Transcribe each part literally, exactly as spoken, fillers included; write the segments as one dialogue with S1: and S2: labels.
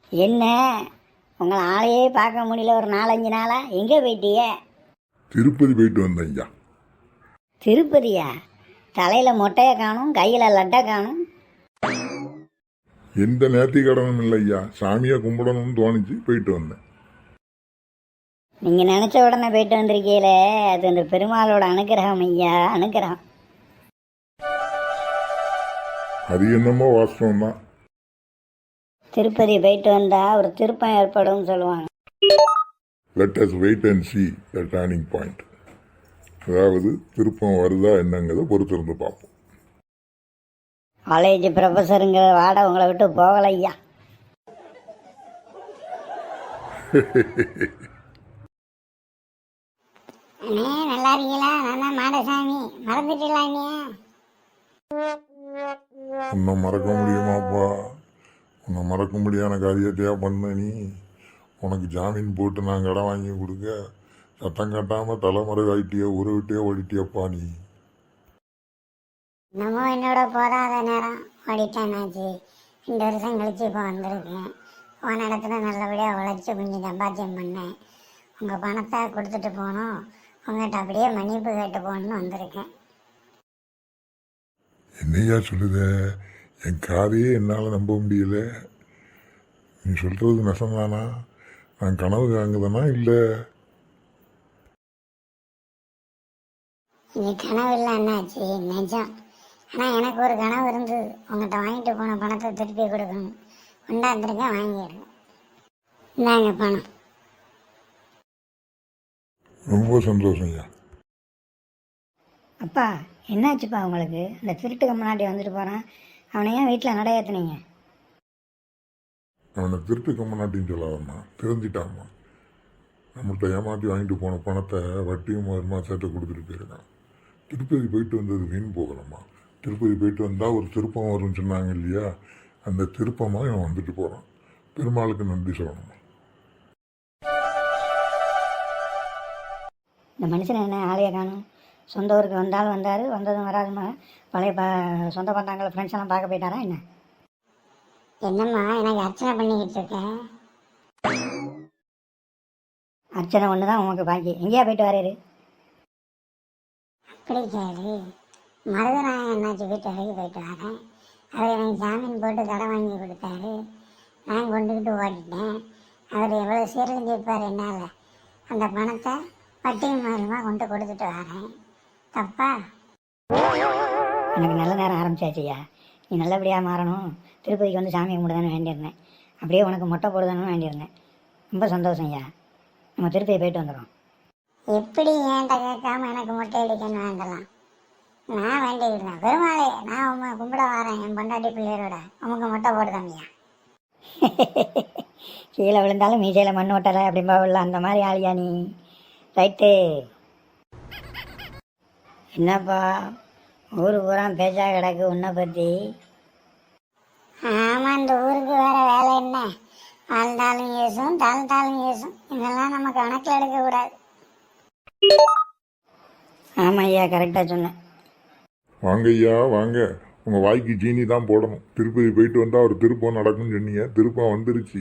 S1: என்ன உங்களை ஆளையே பார்க்க முடியல ஒரு நாலஞ்சு நாளா? எங்கே போயிட்டிய?
S2: திருப்பதி போயிட்டு வந்தேன் ஐயா.
S1: திருப்பதியா? தலையில் மொட்டையை காணும், கையில் லட்டை காணும்.
S2: எந்த நேர்த்தி கடனும் இல்லை ஐயா. சாமியை கும்பிடணும்னு தோணிச்சு போயிட்டு வந்தேன்.
S1: நீங்கள் நினச்ச உடனே போயிட்டு வந்திருக்கீங்களே, அது அந்த பெருமாளோட அனுகிரகம் ஐயா, அனுகிரகம்.
S2: அது என்னமோ வாஸ்தவம் தான்.
S1: திருப்பதி போயிட்டு வந்தா ஒரு திருப்பம் ஏற்படும் சொல்லுவாங்க.
S2: Let us wait and see the turning point. அதாவது திருப்பம் வருதா என்னங்கிறத பொறுத்திருந்து பார்ப்போம்.
S1: காலேஜ் ப்ரொஃபஸருங்கிற வாட உங்களை விட்டு போகலை ஐயா.
S3: அண்ணே நல்லா இருக்கீங்களா? நான் தான் மாடசாமி. மறந்துட்டீங்களா நீ?
S2: உன்னை மறக்க முடியுமாப்பா? உன்னை மறக்க முடியாத காரியத்தையா பண்ண நீ? உனக்கு ஜாமீன் போட்டு நான் கடை வாங்கி கொடுக்க சத்தம் கட்டாமல் தலைமுறை ஆயிட்டியோ ஊரை விட்டே ஓடிட்டியப்பா நீ.
S3: நம்ம என்னோட போதாத நேரம் ஓடிட்டேனாச்சு. ரெண்டு வருஷம் கழிச்சு இப்போ வந்திருக்கேன். போன இடத்துல நல்லபடியாக உழைச்சி கொஞ்சம் சம்பாத்தியம் பண்ணேன். உங்கள் பணத்தை கொடுத்துட்டு போகணும், உங்கள்கிட்ட அப்படியே மன்னிப்பு கேட்டு போகணுன்னு வந்திருக்கேன்.
S2: என்னையா சொல்லுத? என் காதையே என்னால் நம்ப முடியல. நீ சொல்கிறது நெசந்தானா? நான் கனவு காங்குதானா இல்லை?
S3: இது கனவு இல்லை அண்ணாச்சி, நிஜம். ஆனால் எனக்கு ஒரு கனவு இருந்தது. உங்கள்கிட்ட வாங்கிட்டு போன பணத்தை திருப்பி கொடுக்கணும். கொண்டாந்துருக்கேன், வாங்கிடுங்க. இந்தாங்க பணம்.
S2: ரொம்ப சந்தோஷம் ஐயா.
S1: அப்பா என்னாச்சுப்பா உங்களுக்கு? இந்த திருட்டுக்கு முன்னாடி வந்துட்டு போகிறான், அவனை ஏன் வீட்டில் நடை ஏற்றுனீங்க?
S2: அவனை திருட்டுக்க மாட்டின்னு சொல்லாதம்மா, தெரிஞ்சிட்டாம்மா. நம்மள்கிட்ட ஏமாற்றி வாங்கிட்டு போன பணத்தை வட்டியும் வருமா சேர்த்து கொடுத்துட்டு போயிருக்கான். திருப்பதி போயிட்டு வந்தது வீண் போகலம்மா. திருப்பதி போயிட்டு வந்தால் ஒரு திருப்பம் வரும்னு சொன்னாங்க இல்லையா, அந்த திருப்பமாக இவன் வந்துட்டு போகிறான். பெருமாளுக்கு நன்றி சொல்லணுமா.
S1: இந்த மனுஷன் என்ன ஆளையை காணும்? சொந்த ஊருக்கு வந்தாலும் வந்தார், வந்ததும் வராதுமா. பழைய ப சொந்த பந்தாங்களை ஃப்ரெண்ட்ஸ் எல்லாம் பார்க்க போயிட்டாரா என்ன?
S3: என்னம்மா எனக்கு அர்ச்சனை பண்ணிக்கிட்டு இருக்கேன்?
S1: அர்ச்சனை ஒன்று தான் உனக்கு பாக்கி. எங்கேயா போயிட்டு வரையிரு?
S3: அப்படி கேளு. மருதநாயகம் என்னாச்சு வீட்டு வரைக்கும் போயிட்டு வரேன். அவர் எனக்கு ஜாமீன் போட்டு கடை வாங்கி கொடுத்தாரு. நான் கொண்டுக்கிட்டு ஓடிட்டேன். அவர் எவ்வளோ சீரழிஞ்சிருப்பார் என்னால். அந்த பணத்தை வட்டியும் மூலமாக கொண்டு கொடுத்துட்டு வரேன். தப்பா?
S1: எனக்கு நல்ல நேரம் ஆரம்பிச்சாச்சியா. நீ நல்லபடியாக மாறணும், திருப்பதிக்கு வந்து சாமி கும்பிடுதானு வேண்டியிருந்தேன். அப்படியே உனக்கு மொட்டை போடுதானு வேண்டியிருந்தேன். ரொம்ப சந்தோஷம் ஐயா. நம்ம திருப்பதி போயிட்டு வந்துடும்.
S3: எப்படி ஏன்ட்ட கேட்காம எனக்கு மொட்டை அடிக்கணும் வேண்டலாம்? நான் வேண்டிக்கிட்டேன். பெருமாளே, நான் உங்க கும்பிட வரேன் என் பொண்டாட்டி பிள்ளையரோட. உமக்கு மொட்டை போடுதாமியா?
S1: கீழே விழுந்தாலும் மீசையில் மண் ஓட்டலை அப்படின்பா உள்ள அந்த மாதிரி ஆளியா நீ? ரைட்டு. என்னப்பா ஊரு பூரா பேச்சா கிடக்கு உன்னை பற்றி?
S3: ஆமாம், இந்த ஊருக்கு வேற வேலை என்ன? வாழ்ந்தாலும் ஏசும், தாழ்ந்தாலும் ஏசும். இதெல்லாம் நம்ம கணக்கில் எடுக்கக்கூடாது.
S1: ஆமாம் ஐயா, கரெக்டாக சொன்னேன்.
S2: வாங்க ஐயா வாங்க. உங்கள் வாய்க்கு சீனி தான் போடணும். திருப்பதி போயிட்டு வந்தால் ஒரு திருப்பம் நடக்கும்னு சொன்னீங்க, திருப்பம் வந்துருச்சு.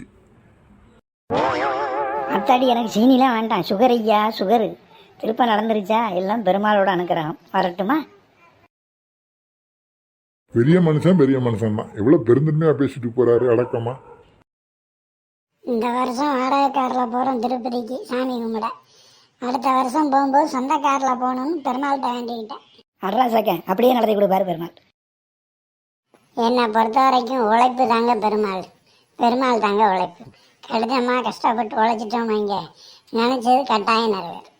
S1: அத்தாடி எனக்கு சீனிலாம் வேண்டாம், சுகர் ஐயா, சுகரு. திருப்பம் நடந்துருச்சா? எல்லாம் பெருமாளோட அனுக்கிரகம். வரட்டுமா?
S2: பெரிய மனுஷன் பெரிய மனுஷன் தான். எவ்வளோ பெருந்தன்மையாக பேசிட்டு போறாரு அடக்கமா.
S3: இந்த வருஷம் வாடகை காரில் போகிறோம் திருப்பதிக்கு சாமி கும்பிட. அடுத்த வருஷம் போகும்போது சொந்த காரில் போகணும்னு பெருமாள்கிட்ட வேண்டிக்கிட்டேன்.
S1: அட்ரா சக்கேன் அப்படியே நடத்தி கொடுப்பாரு பெருமாள்.
S3: என்னை பொறுத்த வரைக்கும் உழைப்பு தாங்க பெருமாள். பெருமாள் தாங்க உழைப்பு. கடிதமாக கஷ்டப்பட்டு உழைச்சிட்டோம், இங்கே நினச்சது கட்டாயம் நிறைவேறும்.